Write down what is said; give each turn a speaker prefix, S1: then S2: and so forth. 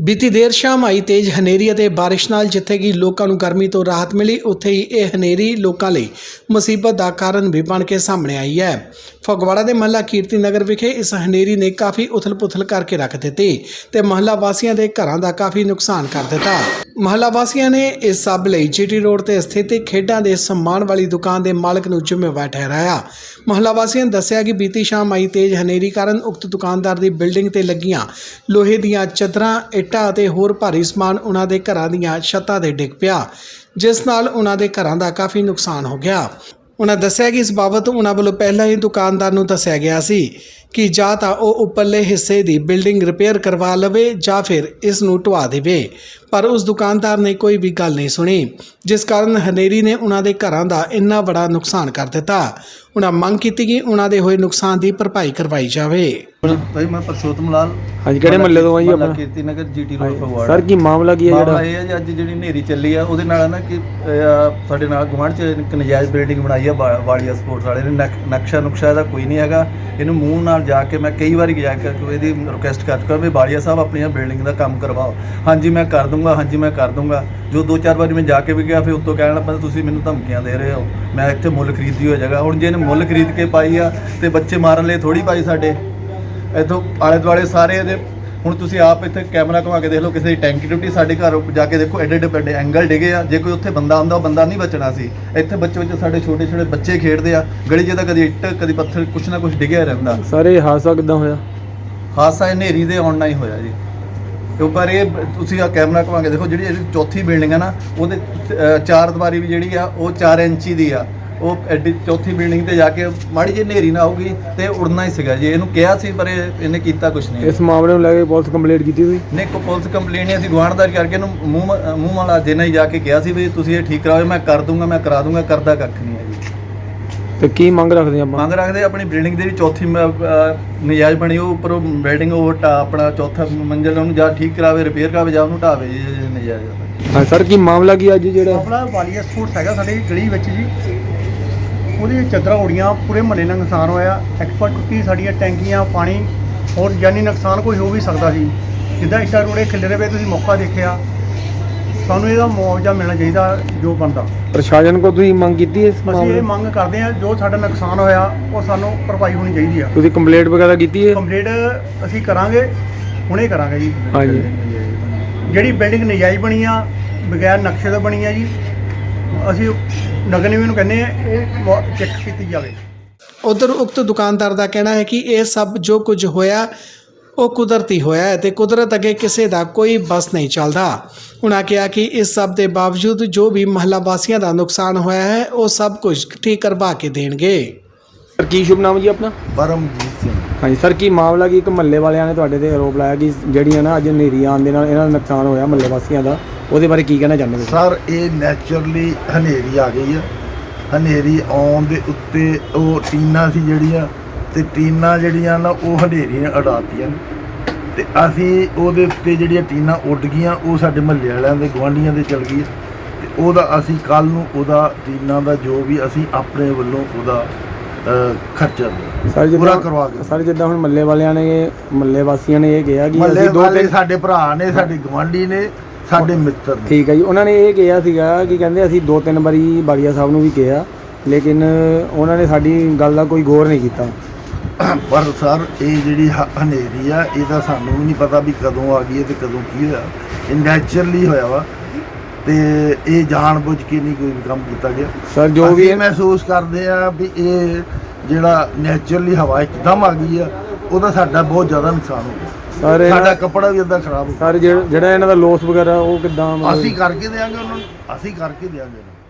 S1: बीती देर शाम आई तेज हनेरी ਅਤੇ ਬਾਰਿਸ਼ ਨਾਲ ਜਿੱਥੇ ਕਿ ਲੋਕਾਂ ਨੂੰ ਗਰਮੀ ਤੋਂ ਰਾਹਤ ਮਿਲੀ, ਉੱਥੇ ਹੀ ਇਹ ਹਨੇਰੀ ਲੋਕਾਂ ਲਈ ਮੁਸੀਬਤ ਦਾ ਕਾਰਨ ਵੀ ਬਣ ਕੇ ਸਾਹਮਣੇ ਆਈ ਹੈ। ਫਗਵਾੜਾ ਦੇ ਮਹੱਲਾ ਕੀਰਤੀ ਨਗਰ ਵਿਖੇ ਇਸ ਹਨੇਰੀ ਨੇ ਕਾਫੀ ਉਥਲ-ਪੁਥਲ ਕਰਕੇ ਰੱਖ ਦਿੱਤੀ ਤੇ ਮਹੱਲਾ ਵਾਸੀਆਂ ਦੇ ਘਰਾਂ ਦਾ ਕਾਫੀ ਨੁਕਸਾਨ ਕਰ ਦਿੱਤਾ। ਮਹੱਲਾ ਵਾਸੀਆਂ ਨੇ ਇਸ ਸਭ ਲਈ ਜੀਟੀ ਰੋਡ ਤੇ ਸਥਿਤ ਖੇਡਾਂ ਦੇ ਸਮਾਨ ਵਾਲੀ ਦੁਕਾਨ ਦੇ ਮਾਲਕ ਨੂੰ ਜ਼ਿੰਮੇਵਾਰ ਠਹਿਰਾਇਆ। ਮਹੱਲਾ ਵਾਸੀਆਂ ਨੇ ਦੱਸਿਆ ਕਿ ਬੀਤੀ ਸ਼ਾਮ ਆਈ ਤੇਜ਼ ਹਨੇਰੀ ਕਾਰਨ ਉਕਤ ਦੁਕਾਨਦਾਰ ਦੀ ਬਿਲਡਿੰਗ ਤੇ ਲੱਗੀਆਂ ਲੋਹੇ ਦੀਆਂ ਚਾਦਰਾਂ, ਇੱਟਾਂ ਅਤੇ ਹੋਰ ਭਾਰੀ ਸਮਾਨ ਉਹਨਾਂ ਦੇ ਘਰਾਂ ਦੀਆਂ ਛੱਤਾਂ ਤੇ ਡਿੱਗ ਪਿਆ, ਜਿਸ ਨਾਲ ਉਹਨਾਂ ਦੇ ਘਰਾਂ ਦਾ ਕਾਫੀ ਨੁਕਸਾਨ ਹੋ ਗਿਆ। ਉਹਨਾਂ ਦੱਸਿਆ ਕਿ ਇਸ ਬਾਬਤ ਉਹਨਾਂ ਵੱਲੋਂ ਪਹਿਲਾਂ ਹੀ ਦੁਕਾਨਦਾਰ ਨੂੰ ਦੱਸਿਆ ਗਿਆ ਸੀ ਕਿ ਜਾਂ ਤਾਂ ਉਹ ਉੱਪਰਲੇ ਹਿੱਸੇ ਦੀ ਬਿਲਡਿੰਗ ਰਿਪੇਅਰ ਕਰਵਾ ਲਵੇ ਜਾਂ ਫਿਰ ਇਸ ਨੂੰ ਢਵਾ ਦੇਵੇ, ਪਰ ਉਸ ਦੁਕਾਨਦਾਰ ਨੇ ਕੋਈ ਵੀ ਗੱਲ ਨਹੀਂ ਸੁਣੀ, ਜਿਸ ਕਾਰਨ ਹਨੇਰੀ ਨੇ ਉਹਨਾਂ ਦੇ ਘਰਾਂ ਦਾ ਇੰਨਾ ਬੜਾ ਨੁਕਸਾਨ ਕਰ ਦਿੱਤਾ। ਉਹਨਾਂ ਮੰਗ ਕੀਤੀ ਕਿ ਉਹਨਾਂ ਦੇ ਹੋਏ ਨੁਕਸਾਨ ਦੀ ਭਰਪਾਈ ਕਰਵਾਈ ਜਾਵੇ।
S2: भाई मैं परशोत्तम लाल
S3: ਹਾਂਜੀ ਕਿਹੜੇ ਮਹੱਲੇ ਤੋਂ ਆਈ ਆਪਣਾ
S2: Kirti Nagar GT road Phagwara.
S3: Sir ਕੀ ਮਾਮਲਾ ਕੀ ਹੈ
S2: ਮਾਮਲਾ ਇਹ ਹੈ ਜੀ, ਅੱਜ ਜਿਹੜੀ ਹਨੇਰੀ ਚੱਲੀ ਆ ਉਹਦੇ ਨਾਲ ਨਾ ਕਿ ਸਾਡੇ ਨਾਲ ਗੁਆਂਢ 'ਚ ਇੱਕ ਨਜਾਇਜ਼ ਬਿਲਡਿੰਗ ਬਣਾਈ ਆ ਵਾਲੀਆ ਸਪੋਰਟਸ ਵਾਲੇ ਨੇ। ਨਕਸ਼ਾ ਨੁਕਸ਼ਾ ਇਹਦਾ ਕੋਈ ਨਹੀਂ ਹੈਗਾ। ਇਹਨੂੰ ਮੂੰਹ ਨਾਲ ਜਾ ਕੇ ਮੈਂ ਕਈ ਵਾਰੀ ਜਾ ਕੇ ਇਹਦੀ ਰਿਕੁਐਸਟ ਕਰ ਚੁੱਕਾ ਵੀ ਵਾਲੀਆ ਸਾਹਿਬ ਆਪਣੀਆਂ ਬਿਲਡਿੰਗ ਦਾ ਕੰਮ ਕਰਵਾਓ। ਹਾਂਜੀ ਮੈਂ ਕਰ ਦੂੰਗਾ, ਹਾਂਜੀ ਮੈਂ ਕਰ ਦੂੰਗਾ। ਜੋ 2-4 ਵਾਰੀ ਮੈਂ ਜਾ ਕੇ ਵੀ ਗਿਆ, ਫਿਰ ਉੱਤੋਂ ਕਹਿਣ ਲੱਗਾ ਤੁਸੀਂ ਮੈਨੂੰ ਧਮਕੀਆਂ ਦੇ ਰਹੇ ਹੋ, ਮੈਂ ਇੱਥੇ ਮੁੱਲ ਖਰੀਦੀ ਹੋ ਜਗ੍ਹਾ। ਹੁਣ ਜੇ ਇਹਨੇ ਮੁੱਲ ਖਰੀਦ ਕੇ ਪਾਈ ਆ ਤੇ ਬੱਚੇ ਮਾਰਨ ਲਈ ਥੋੜੀ ਪਾਈ ਸਾਡੇ ਇੱਥੋਂ ਆਲੇ ਦੁਆਲੇ ਸਾਰੇ ਇਹਦੇ। ਹੁਣ ਤੁਸੀਂ ਆਪ ਇੱਥੇ ਕੈਮਰਾ ਘੁਮਾ ਕੇ ਦੇਖ ਲਓ, ਕਿਸੇ ਦੀ ਟੈਂਕੀ ਟੁੱਟੀ, ਸਾਡੇ ਘਰ ਜਾ ਕੇ ਦੇਖੋ ਐਡੇ ਐਡੇ ਵੱਡੇ ਐਂਗਲ ਡਿੱਗੇ ਆ। ਜੇ ਕੋਈ ਉੱਥੇ ਬੰਦਾ ਹੁੰਦਾ ਉਹ ਬੰਦਾ ਨਹੀਂ ਬਚਣਾ ਸੀ। ਇੱਥੇ ਬੱਚੇ ਸਾਡੇ ਛੋਟੇ ਛੋਟੇ ਬੱਚੇ ਖੇਡਦੇ ਆ ਗਲੀ 'ਚ, ਤਾਂ ਕਦੀ ਇੱਟ ਕਦੀ ਪੱਥਰ ਕੁਛ ਨਾ ਕੁਛ ਡਿੱਗਿਆ ਰਹਿੰਦਾ।
S3: ਸਰ ਇਹ ਹਾਦਸਾ ਕਿੱਦਾਂ ਹੋਇਆ?
S2: ਹਾਦਸਾ ਹਨੇਰੀ ਦੇ ਆਉਣ ਨਾਲ ਹੀ ਹੋਇਆ ਜੀ। ਉੱਪਰ ਇਹ ਤੁਸੀਂ ਆ ਕੈਮਰਾ ਘੁਮਾ ਕੇ ਦੇਖੋ, ਜਿਹੜੀ ਚੌਥੀ ਬਿਲਡਿੰਗ ਆ ਨਾ, ਉਹਦੇ 4 ਦੀਵਾਰੀ ਵੀ ਜਿਹੜੀ ਆ ਉਹ 4 ਇੰਚੀ ਦੀ ਆ। ਉਹ ਐਡੀ ਚੌਥੀ ਬਿਲਡਿੰਗ ਤੇ ਜਾ ਕੇ ਮਾੜੀ ਜਿਹੀ ਹਨੇਰੀ ਨਾ ਆਊਗੀ ਤੇ ਉੜਨਾ ਹੀ ਸੀਗਾ ਜੀ। ਇਹਨੂੰ ਕਿਹਾ ਸੀ ਪਰ ਇਹਨੇ ਕੀਤਾ ਕੁਛ ਨਹੀਂ।
S3: ਇਸ ਮਾਮਲੇ ਨੂੰ ਲੈ ਕੇ ਪੁਲਿਸ ਕੰਪਲੇਂਟ ਕੀਤੀ ਹੋਈ?
S2: ਨਹੀਂ, ਕੋਈ ਪੁਲਿਸ ਕੰਪਲੇਂਟ ਨਹੀਂ। ਅਸੀਂ ਗੁਆਂਢਦਾਰੀ ਕਰਕੇ ਇਹਨੂੰ ਮੂੰਹ ਵਾਲਾ ਦੇਣਾ ਹੀ ਜਾ ਕੇ ਕਿਹਾ ਸੀ ਵੀ ਤੁਸੀਂ ਇਹ ਠੀਕ ਕਰਾਓ, ਮੈਂ ਕਰ ਦੂੰਗਾ, ਮੈਂ ਕਰਾ ਦੂੰਗਾ। ਕਰਦਾ ਕੱਖ ਨਹੀਂ ਹੈ ਜੀ।
S3: ਤੇ ਕੀ ਮੰਗ ਰੱਖਦੇ ਆਪਾਂ?
S2: ਮੰਗ ਰੱਖਦੇ ਆਪਣੀ ਬਿਲਡਿੰਗ ਦੇ ਵੀ ਚੌਥੀ ਨਜਾਇਜ਼ ਬਣੀ, ਉਹ ਉੱਪਰੋਂ ਬਿਲਡਿੰਗ ਉਹ ਆਪਣਾ ਚੌਥਾ ਮੰਜ਼ਿਲ ਉਹਨੂੰ ਜਾਂ ਠੀਕ ਕਰਾਵੇ, ਰਿਪੇਅਰ ਕਰਾਵੇ ਜਾਂ ਉਹਨੂੰ ਢਾਵੇ ਜੀ ਨਜਾਇਜ਼।
S3: ਹਾਂ ਸਰ, ਕੀ ਮਾਮਲਾ ਕੀ ਅੱਜ ਜਿਹੜਾ
S4: ਆਪਣਾ ਵਾਲੀਆ ਸਪੋਰਟਸ ਹੈਗਾ ਸਾਡੇ ਗਲੀ ਵਿੱਚ ਜੀ, ਉਹਦੀ ਚਾਦਰਾਂ ਉੜੀਆਂ, ਪੂਰੇ ਮਹੱਲੇ ਨਾਲ ਨੁਕਸਾਨ ਹੋਇਆ। ਐਕਸਪਰਟ ਟੁੱਟੀ, ਸਾਡੀਆਂ ਟੈਂਕੀਆਂ, ਪਾਣੀ, ਹੋਰ ਜਾਨੀ ਨੁਕਸਾਨ ਕੋਈ ਹੋ ਵੀ ਸਕਦਾ ਸੀ। ਜਿੱਦਾਂ ਇੱਟਾਂ ਰੋੜੇ ਖਿਲਰੇ ਪਏ, ਤੁਸੀਂ ਮੌਕਾ ਦੇਖਿਆ। ਸਾਨੂੰ ਇਹਦਾ ਮੁਆਵਜ਼ਾ ਮਿਲਣਾ ਚਾਹੀਦਾ ਜੋ ਬਣਦਾ।
S3: ਪ੍ਰਸ਼ਾਸਨ ਕੋਲ ਤੁਸੀਂ ਮੰਗ ਕੀਤੀ ਇਸ
S4: ਅਸੀਂ
S3: ਮਾਮਲੇ?
S4: ਇਹ ਮੰਗ ਕਰਦੇ ਹਾਂ, ਜੋ ਸਾਡਾ ਨੁਕਸਾਨ ਹੋਇਆ ਉਹ ਸਾਨੂੰ ਭਰਪਾਈ ਹੋਣੀ ਚਾਹੀਦੀ ਆ।
S3: ਤੁਸੀਂ ਕੰਪਲੇਂਟ ਵਗੈਰਾ ਕੀਤੀ ਹੈ?
S4: ਕੰਪਲੀਟ ਅਸੀਂ ਕਰਾਂਗੇ, ਹੁਣੇ ਕਰਾਂਗੇ ਜੀ।
S3: ਹਾਂਜੀ।
S4: ਜਿਹੜੀ ਬਿਲਡਿੰਗ ਨਜਾਇਜ਼ ਬਣੀ ਆ, ਬਗੈਰ ਨਕਸ਼ੇ ਤੋਂ ਬਣੀ ਆ ਜੀ, ਅਸੀਂ ਨਗਰ ਨਿਗਮ ਨੂੰ ਕਹਿੰਦੇ ਆ ਇਹ ਚੈੱਕ ਕੀਤੀ ਜਾਵੇ।
S1: ਉਧਰ ਉਕਤ ਦੁਕਾਨਦਾਰ ਦਾ ਕਹਿਣਾ ਹੈ ਕਿ ਇਹ ਸਭ ਜੋ ਕੁਝ ਹੋਇਆ ਉਹ ਕੁਦਰਤੀ ਹੋਇਆ ਹੈ ਤੇ ਕੁਦਰਤ ਅੱਗੇ ਕਿਸੇ ਦਾ ਕੋਈ ਬਸ ਨਹੀਂ ਚੱਲਦਾ। ਉਹਨਾਂ ਕਿਹਾ ਕਿ ਇਸ ਸਭ ਦੇ ਬਾਵਜੂਦ ਜੋ ਵੀ ਮਹੱਲਾ ਵਾਸੀਆਂ ਦਾ ਨੁਕਸਾਨ ਹੋਇਆ ਹੈ ਉਹ ਸਭ ਕੁਝ ਠੀਕ ਕਰਵਾ ਕੇ ਦੇਣਗੇ।
S3: ਸਰ ਕੀ ਸ਼ੁਭ ਨਾਮ ਜੀ ਆਪਣਾ?
S2: ਪਰਮਜੀਤ ਸਿੰਘ।
S3: ਹਾਂਜੀ ਸਰ, ਕੀ ਮਾਮਲਾ ਕੀ? ਇੱਕ ਮਹੱਲੇ ਵਾਲਿਆਂ ਨੇ ਤੁਹਾਡੇ ਤੇ ਆਰੋਪ ਲਾਇਆ ਕਿ ਜਿਹੜੀਆਂ ਨਾ ਅੱਜ ਹਨੇਰੀ ਆਉਣ ਦੇ ਨਾਲ ਇਹਨਾਂ ਦਾ ਨੁਕਸਾਨ ਹੋਇਆ ਮਹੱਲੇ ਵਾਸੀਆਂ ਦਾ, ਉਹਦੇ ਬਾਰੇ ਕੀ ਕਹਿਣਾ ਚਾਹੁੰਦੇ ਹੋ?
S5: ਸਰ ਇਹ ਨੈਚੁਰਲੀ ਹਨੇਰੀ ਆ ਗਈ ਆ। ਹਨੇਰੀ ਆਉਣ ਦੇ ਉੱਤੇ ਉਹ ਟੀਨਾਂ ਸੀ ਜਿਹੜੀਆਂ, ਤੇ ਟੀਨਾਂ ਜਿਹੜੀਆਂ ਨਾ ਉਹ ਹਨੇਰੀ ਨੇ ਉਡਾਤੀਆਂ ਤੇ ਅਸੀਂ ਉਹਦੇ ਉੱਤੇ ਜਿਹੜੀਆਂ ਟੀਨਾਂ ਉੱਡ ਗਈਆਂ ਉਹ ਸਾਡੇ ਮਹੱਲੇ ਵਾਲਿਆਂ ਦੇ ਗੁਆਂਢੀਆਂ ਦੇ ਚਲ ਗਈ ਤੇ ਉਹਦਾ ਅਸੀਂ ਕੱਲ੍ਹ ਨੂੰ ਉਹਦਾ ਟੀਨਾਂ ਦਾ ਜੋ ਵੀ ਅਸੀਂ ਆਪਣੇ ਵੱਲੋਂ ਉਹਦਾ ਖਰਚਾ ਪੂਰਾ ਕਰਵਾ ਕੇ।
S3: ਸਰ ਜਿੱਦਾਂ ਹੁਣ ਮਹੱਲੇ ਵਾਲਿਆਂ ਨੇ, ਮਹੱਲੇ ਵਾਸੀਆਂ ਨੇ ਇਹ ਕਿਹਾ ਕਿ
S5: ਮਹੱਲੇ
S3: ਅਸੀਂ
S5: ਵਾਲੇ ਸਾਡੇ ਭਰਾ ਨੇ, ਸਾਡੇ ਗੁਆਂਢੀ ਨੇ, ਸਾਡੇ ਮਿੱਤਰ ਨੇ।
S3: ਠੀਕ ਹੈ ਜੀ। ਉਹਨਾਂ ਨੇ ਇਹ ਕਿਹਾ ਸੀਗਾ ਕਿ ਕਹਿੰਦੇ ਅਸੀਂ 2-3 ਵਾਰੀ ਬਾਲੀਆ ਸਾਹਿਬ ਨੂੰ ਵੀ ਕਿਹਾ, ਲੇਕਿਨ ਉਹਨਾਂ ਨੇ ਸਾਡੀ ਗੱਲ ਦਾ ਕੋਈ ਗੌਰ ਨਹੀਂ ਕੀਤਾ।
S5: ਪਰ ਸਰ ਇਹ ਜਿਹੜੀ ਹਨੇਰੀ ਆ ਇਹ ਤਾਂ ਸਾਨੂੰ ਵੀ ਨਹੀਂ ਪਤਾ ਵੀ ਕਦੋਂ ਆ ਗਈ ਹੈ ਤੇ ਕਦੋਂ ਕੀ ਹੋਇਆ। ਇਹ ਨੈਚੁਰਲੀ ਹੋਇਆ ਵਾ ਤੇ ਇਹ ਜਾਣ ਬੁੱਝ ਕੇ ਨਹੀਂ ਕੋਈ ਵੀ ਕੰਮ ਕੀਤਾ ਗਿਆ।
S3: ਸਰ ਜੋ ਵੀ
S5: ਮਹਿਸੂਸ ਕਰਦੇ ਆ ਵੀ ਇਹ ਜਿਹੜਾ ਨੈਚੁਰਲੀ ਹਵਾ ਇੱਕਦਮ ਆ ਗਈ ਆ ਉਹਦਾ ਸਾਡਾ ਬਹੁਤ ਜ਼ਿਆਦਾ ਨੁਕਸਾਨ ਹੋ ਗਿਆ।
S3: ਸਰ
S5: ਸਾਡਾ ਕੱਪੜਾ ਵੀ ਅੱਧਾ ਖਰਾਬ ਹੋ ਗਿਆ।
S3: ਸਰ ਜਿਹੜਾ ਇਹਨਾਂ ਦਾ ਲੋਸ ਵਗੈਰਾ ਉਹ ਕਿੱਦਾਂ
S5: ਅਸੀਂ ਕਰਕੇ ਦਿਆਂਗੇ ਉਹਨਾਂ ਨੂੰ, ਅਸੀਂ ਕਰਕੇ ਦਿਆਂਗੇ।